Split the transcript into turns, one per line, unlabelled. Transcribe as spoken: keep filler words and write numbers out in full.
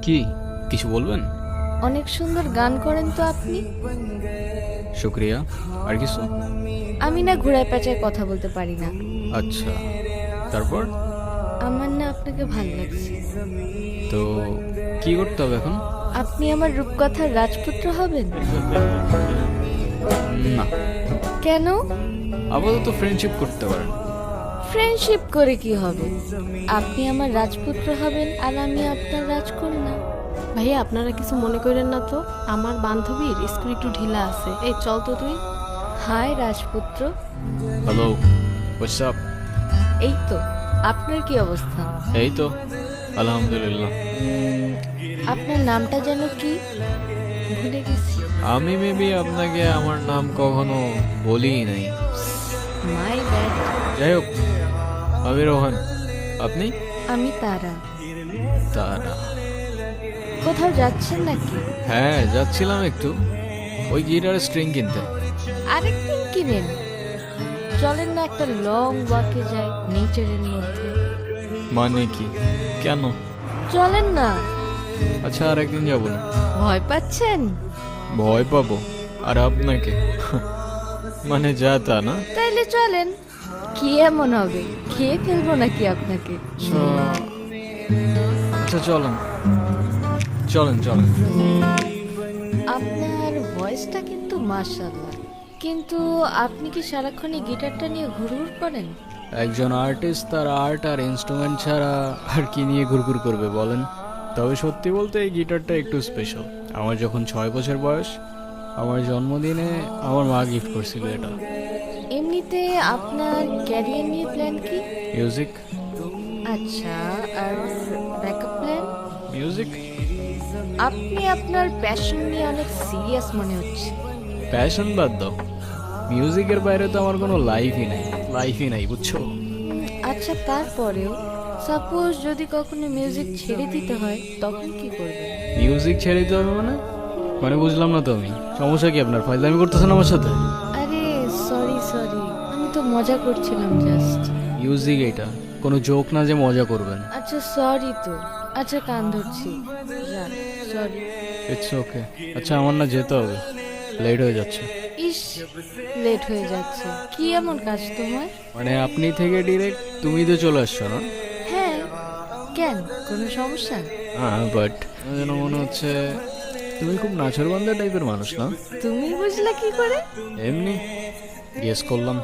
কি কিছু বলবেন?
অনেক সুন্দর গান করেন তো আপনি।
শুক্রিয়া। আর কিছু?
আমি না ঘোড়ায় পেঁচায় কথা বলতে পারি না।
আচ্ছা, তারপর?
আমার না আপনাকে ভাল লাগছে।
তো কি করতে হবে এখন?
আপনি আমার রূপকথার রাজপুত্র হবেন?
না,
কেন?
আপাতত ফ্রেন্ডশিপ করতে পারেন।
ফ্রেন্ডশিপ করে কি হবে? আপনি আমার রাজপুত্র হবেন আর আমি আপনার রাজকন্যা।
ভাইয়া আপনারা কিছু মনে করেন না তো, আমার বান্ধবীর স্কুল একটু ঢিলা আছে। এই চল তো তুই।
হাই রাজপুত্র।
Hello, what's up?
এই তো, আপনার কি অবস্থা?
এই তো আলহামদুলিল্লাহ।
আপনার নামটা যেন কি? ভুলে গেছি।
আমি মেবি আপনাকে আমার নাম কখনো বলিই নাই।
My bad.
যাই হোক, আমি রোহান। আপনি?
আমি তারা।
তারা?
কোথাও যাচ্ছেন নাকি?
হ্যাঁ, যাচ্ছিলাম একটু ওই গিটার স্ট্রিং কিনতে।
আরেকদিন কিনেন। চলেন না একটা লং ওয়াকে যাই নেচারের মধ্যে।
মানে কি? কেন?
চলেন না।
আচ্ছা, আর একদিন যাবো না।
ভয় পাচ্ছেন?
ভয় পাবো? আর আপনাকে? মানে যা তা না।
তাইলে চলেন। কি এমন হবে, খেয়ে ফেলবো নাকি আপনাকে?
চ- আচ্ছা চলেন চলেন চলেন।
আপনার ভয়েসটা কিন্তু মাশাআল্লাহ, কিন্তু আপনি কি সারাক্ষণ এই গিটারটা নিয়ে ঘুরঘুর করেন?
একজন আর্টিস্ট তার আর্ট আর ইনস্ট্রুমেন্ট ছাড়া আর কি নিয়ে ঘুরঘুর করবে বলেন? তবে সত্যি বলতে এই গিটারটা একটু স্পেশাল। আমার যখন ছয় বছর বয়স, আমার জন্মদিনে আমার মা গিফট করছিল এটা।
এমনিতে আপনার ক্যারিয়ার নিয়ে প্ল্যান কি?
মিউজিক।
আচ্ছা, আর ব্যাকআপ প্ল্যান?
মিউজিক?
আপনি আপনার প্যাশন নিয়ে অনেক সিরিয়াস মনে হচ্ছে।
প্যাশন বাদ দাও, মিউজিকের বাইরে তো আমার কোনো লাইফই নাই। লাইফই নাই, বুঝছো?
উম, আচ্ছা, তারপরেও সাপোজ যদি কখনো মিউজিক ছেড়ে দিতে হয় তখন কি করবেন?
মিউজিক ছেড়ে দিতে হবে মানে? মানে বুঝলাম না তো আমি। সমস্যা কি আপনার? ফাইজলামি করতেছেন আমার সাথে?
আরে সরি সরি, আমি তো মজা করছিলাম জাস্ট।
মিউজিক এটা কোনো জোক না যে মজা করবেন।
আচ্ছা সরি তো। আচ্ছা কান ধরছি, যা। সরি।
It's okay. আচ্ছা, আমার না যেতে হবে, লেট হয়ে যাচ্ছে।
ইস, লেট হয়ে যাচ্ছে। কি এমন কাজ তোমার?
মানে আপনি থেকে ডিরেক্ট তুমি তো চলে আসছো না?
হ্যাঁ, কেন, কোনো সমস্যা?
হ্যাঁ, বাট যেন মনে হচ্ছে তুমি খুব নাছরবান্ধা টাইপের মানুষ না?
তুমি বুঝলা কি করে?
এমনি গেস করলাম।